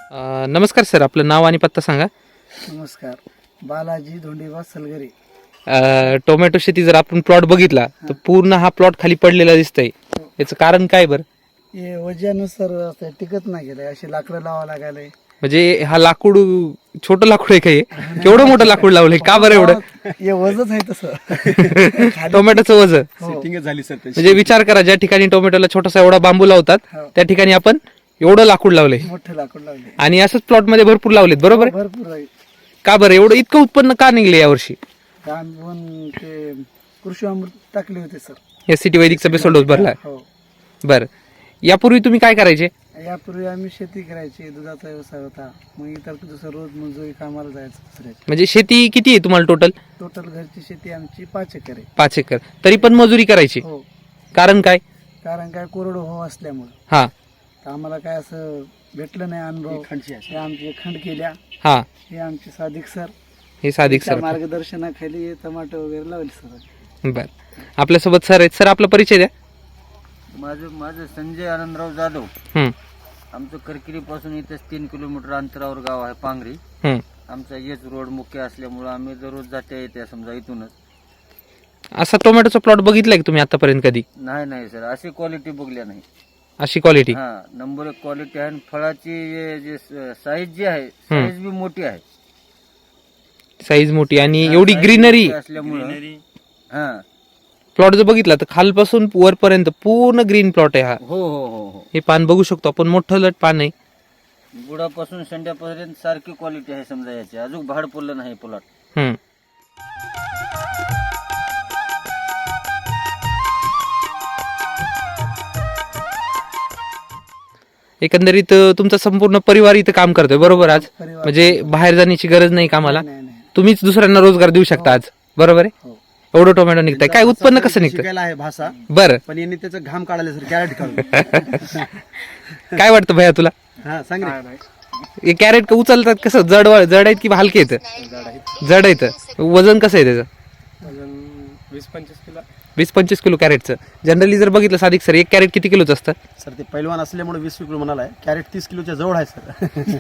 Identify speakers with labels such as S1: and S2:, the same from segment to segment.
S1: नमस्कार सर, आपलं नाव आणि पत्ता सांगा.
S2: नमस्कार, बालाजी धोंडीबा सलगरे.
S1: टोमॅटो शेती जर आपण प्लॉट बघितला तर पूर्ण हा प्लॉट खाली पडलेला दिसतंय. याचं कारण काय बरं?
S2: हे वजनानुसार असं टिकत नाही गेलंय, असे लाकडं लावा लागायलंय.
S1: म्हणजे हा लाकूड छोटं लाकूड आहे का हे? केवढं मोठं लाकूड लावलंय का बरं एवढं?
S2: हे वजच आहे तसं.
S1: टोमॅटोचं वजन
S2: हो.
S3: झाली सर
S1: म्हणजे विचार करा, ज्या ठिकाणी टोमॅटोला छोटासा एवढा बांबू लावतात
S2: हो.
S1: त्या ठिकाणी आपण एवढं लाकूड लावलंय
S2: मोठे लाकूड लावले.
S1: आणि असंच प्लॉट मध्ये भरपूर लावलेत. बरोबर आहे?
S2: भरपूर आहे.
S1: का बरं एवढं इतकं उत्पन्न का निघले यावर्षी?
S2: आम्ही पण ते कृषी अमृत टाकले होते सर.
S1: एस सी टी वैदिकचा बेसल डोस भरला.
S2: हो.
S1: बरं, यापूर्वी तुम्ही काय करायचे?
S2: यापूर्वी आम्ही शेती करायची, दुधाचा व्यवसाय होता. मग इतर दुसरं रोज मजुरी कामाला जायचं दुसऱ्याची.
S1: म्हणजे शेती किती आहे तुम्हाला टोटल?
S2: टोटल घरची शेती आमची 5 एकर आहे.
S1: 5 एकर. तरी पण मजुरी करायची,
S2: हो.
S1: कारण काय?
S2: कारण काय कोरडवाहू असल्यामुळे
S1: हा
S2: आम्हाला काय असं भेटलं नाही अनुभव. हे आमचे खंड केल्या,
S1: हा
S2: हे आमचे सादिक सर,
S1: हे सादिक
S2: त्या
S1: सर.
S2: मार्गदर्शनाखाली हे टमाटो वगैरे लावले सर.
S1: बर, आपल्यासोबत सर आहेत. सर, आपला परिचय द्या.
S3: माझं संजय आनंदराव जाधव.
S1: हम्म,
S3: आमचं करकिरी पासून इथेच 3 किलोमीटर अंतरावर गाव आहे पांगरी.
S1: हम्म.
S3: आमचा हेच रोड मुख्य असल्यामुळं आम्ही दररोज जात्या येत्या समजा इथूनच.
S1: असा टोमॅटोचा प्लॉट बघितलाय का तुम्ही आतापर्यंत कधी?
S3: नाही सर, अशी क्वालिटी बघल्या नाही.
S1: अशी क्वालिटी?
S3: हा, नंबर 1 क्वालिटी आहे. आणि फळाची जे साईज जी आहे, साईज बी मोठी आहे.
S1: साईज मोठी आणि
S3: हा,
S1: एवढी
S3: size
S1: ग्रीनरी.
S3: मोठी असल्यामुळं हा.
S1: प्लॉट जर बघितला तर खालपासून वरपर्यंत पूर्ण ग्रीन प्लॉट आहे हा.
S3: हो.
S1: हे पान बघू शकतो आपण, मोठं लट पान आहे.
S3: बुडापासून शेंड्यापर्यंत सारखी क्वालिटी आहे समजा याची. अजून भाड पडलं नाही प्लॉट.
S1: हम्म. एकंदरीत तुमचा संपूर्ण परिवार इथं काम करतोय, बरोबर? आज
S2: परिवार
S1: म्हणजे बाहेर जाण्याची गरज नाही कामाला.
S2: नाही.
S1: तुम्हीच दुसऱ्यांना रोजगार देऊ शकता आज, बरोबर आहे?
S2: हो.
S1: एवढं टोमॅटो निघतंय. काय उत्पन्न कसं निघतं?
S4: शिकायला आहे भाषा,
S1: बरं,
S4: पण यांनी त्याचं घाम काढायला सर कॅरेट काढून.
S1: काय वाटतं भैया तुला?
S4: हा सांग रे.
S1: हे कॅरेट का उचलतात कसं? जड आहेत की हलके आहेत? जड आहेत. वजन कसं आहे त्याचं? 20-25 किलो कॅरेटचं. जनरली जर बघितलं सादिक सर, एक कॅरेट किती किलोचं असतं?
S4: सर ते पैलवान असल्यामुळे 20 किलो म्हणाला आहे. कॅरेट 30 किलोच्या जवळ आहे सर.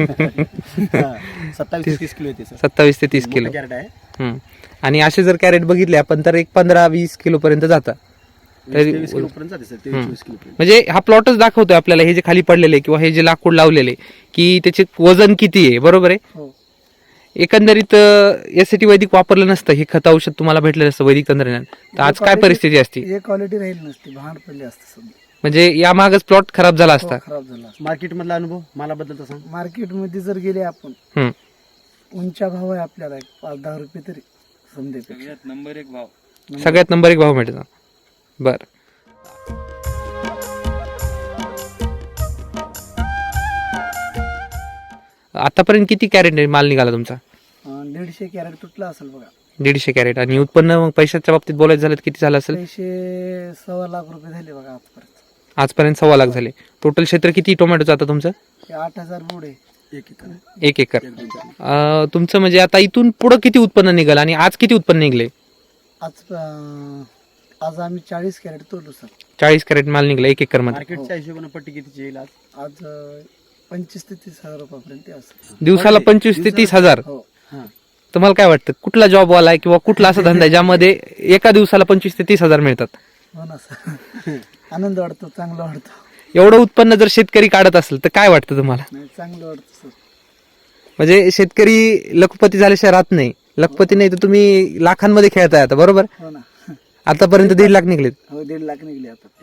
S4: 27 ते 30 किलो येते सर.
S1: 27 ते 30 किलो.
S4: कॅरेट आहे.
S1: हम्म. आणि असे जर कॅरेट बघितले आपण तर एक 15-20 किलो पर्यंत जातात.
S4: 23 किलो पर्यंत जाते सर. 23 किलो पर्यंत.
S1: म्हणजे हा प्लॉटच दाखवतोय आपल्याला, हे जे खाली पडलेले किंवा हे जे लाकूड लावलेले, की त्याचे वजन किती आहे. बरोबर आहे?
S2: हो.
S1: एकंदरीत यासाठी वैदिक वापरलं नसतं, हे खत औषध तुम्हाला भेटलं नसतं वैदिक तंत्रज्ञान, तर आज काय परिस्थिती असती?
S2: हे क्वालिटी राहील नसती, भांड पडले असते सध्या.
S1: म्हणजे या मागच प्लॉट खराब झाला असता.
S2: खराब झाला असता.
S4: मार्केट मधला अनुभव मला बद्दल सांग.
S2: मार्केटमध्ये जर गेले आपण,
S1: हम्म.
S2: उंचा भाव आहे आपल्याला 5-10 रुपये तरी समजेपेक्षा.
S3: नंबर 1 भाव.
S1: सगळ्यात नंबर 1 भाव मिळतो. बर, आतापर्यंत किती कॅरेट माल निघाला तुमचा?
S2: 150 कॅरेट तुटला असेल बघा.
S1: 150 कॅरेट. आणि उत्पन्न मग पैशाच्या बाबतीत बोलायचं झालं तर किती झालं असेल?
S2: पैसे 1.25 लाख रुपये झाले बघा आजपर्यंत.
S1: आजपर्यंत 1.25 लाख झाले. टोटल क्षेत्र किती टोमॅटोचं आता तुमचं?
S2: हे 8,000 बोड आहे.
S4: 1 एकर.
S1: 1 एकर. तुमचं म्हणजे आता इथून पुढं किती उत्पन्न निघाल आणि आज किती उत्पन्न निघले?
S2: आज आम्ही 40 कॅरेट तोडलो सर.
S1: 40 कॅरेट माल निघला 1 एकर मध्ये.
S4: मार्केटच्या हिशोबाने पट्टी कितीची येईल आज?
S2: आज 25 ते 30 हजार रुपयापर्यंत असेल.
S1: दिवसाला 25 ते 30 हजार.
S2: हो.
S4: हा.
S1: तुम्हाला काय वाटतं कुठला जॉब वाला आहे किंवा कुठला असा धंदा आहे ज्यामध्ये एका दिवसाला 25 ते 30 हजार मिळतात?
S2: हो ना सर. आनंद वाटतो, चांगलं वाटतं.
S1: एवढं उत्पन्न जर शेतकरी काढत असेल तर काय वाटतं तुम्हाला?
S2: नाही, चांगलं वाटतं सर.
S1: म्हणजे शेतकरी लखपती झाल्याशिवाय राहत नाही. लखपती नाही तर तुम्ही लाखांमध्ये खेळताय आता, बरोबर?
S2: हो ना.
S1: आतापर्यंत 1.5 लाख निघलेत.
S2: हो, 1.5 लाख निघले आता.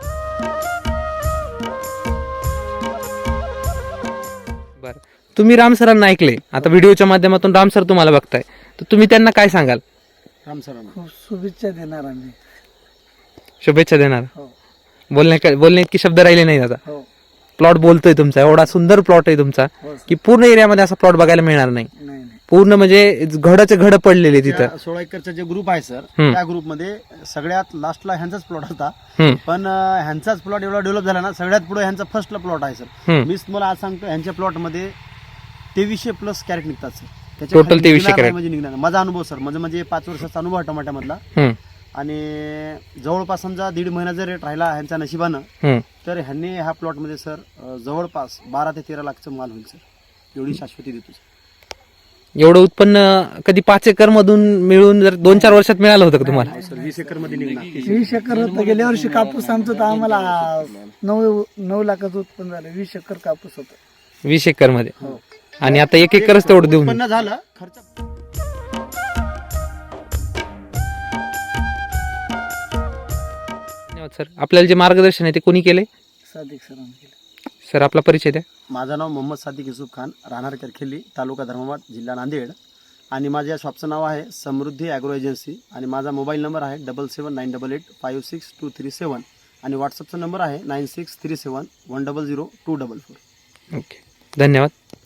S1: बरं, तुम्ही राम सरांना ऐकले, आता व्हिडिओच्या माध्यमातून राम सर तुम्हाला बघताय, तर तुम्ही त्यांना काय सांगाल?
S4: राम सरांना
S2: खूप शुभेच्छा देणार आम्ही.
S1: शुभेच्छा देणार.
S2: हो.
S1: बोलणे इतके शब्द राहिले नाही आता.
S2: हो.
S1: प्लॉट बोलतोय तुमचा, एवढा सुंदर प्लॉट आहे तुमचा
S2: हो
S1: की पूर्ण एरियामध्ये असा प्लॉट बघायला मिळणार नाही.
S2: नाही.
S1: पूर्ण म्हणजे घडाचे घड पडलेले तिथं.
S4: 16 एकरचा जे ग्रुप आहे सर,
S1: हम्म.
S4: त्या ग्रुपमध्ये सगळ्यात लास्टला ह्यांचाच प्लॉट होता.
S1: हम्म.
S4: पण ह्यांचाच प्लॉट एवढा डेव्हलप झाला ना, सगळ्यात पुढे ह्यांचा फर्स्टला प्लॉट आहे सर.
S1: हम्म.
S4: मीच तुम्हाला आज सांगतो, ह्यांच्या प्लॉटमध्ये 2300 प्लस कॅरेट निघतात सर.
S1: Total 2300 carat.
S4: म्हणजे निघणार नाही. माझा अनुभव सर, म्हणजे 5 वर्षाचा अनुभव आहे टमाट्यामधला.
S1: हम्म.
S4: आणि जवळपास समजा 1.5 महिना जर रेट राहिला ह्यांच्या नशिबानं,
S1: हम्म.
S4: तर ह्यांनी ह्या प्लॉटमध्ये सर जवळपास 12 ते 13 लाखचं माल होईल सर. एवढी शाश्वती देतो.
S1: एवढं उत्पन्न कधी 5 एकर मधून मिळून जर 2-4 वर्षात मिळालं होतं का तुम्हाला?
S4: सर 20 एकर मध्ये निघणार.
S2: 20 एकर होतं. गेल्या वर्षी कापूस आमचं तर आम्हाला 9 लाखाचं उत्पन्न झालं. 20 एकर कापूस होतं.
S1: 20 एकर मध्ये.
S2: हो.
S1: आणि आता 1 एकरच तेवढं देऊन.
S4: उत्पन्न झालं खर्च.
S1: धन्यवाद सर. आपल्याला जे मार्गदर्शन आहे ते कोणी केलंय?
S2: सादिक सरांनी केलं.
S1: सर आपला परिचय द्या.
S4: माझं नाव मोहम्मद सादिक युसुफ खान, राहणार करखेली, तालुका धर्माबाद, जिल्हा नांदेड. आणि माझ्या शॉपचं नाव आहे समृद्धी ॲग्रो एजन्सी. आणि माझा मोबाईल नंबर आहे 7798856237 आणि व्हॉट्सअपचा नंबर आहे 9637100244.
S1: ओके, धन्यवाद.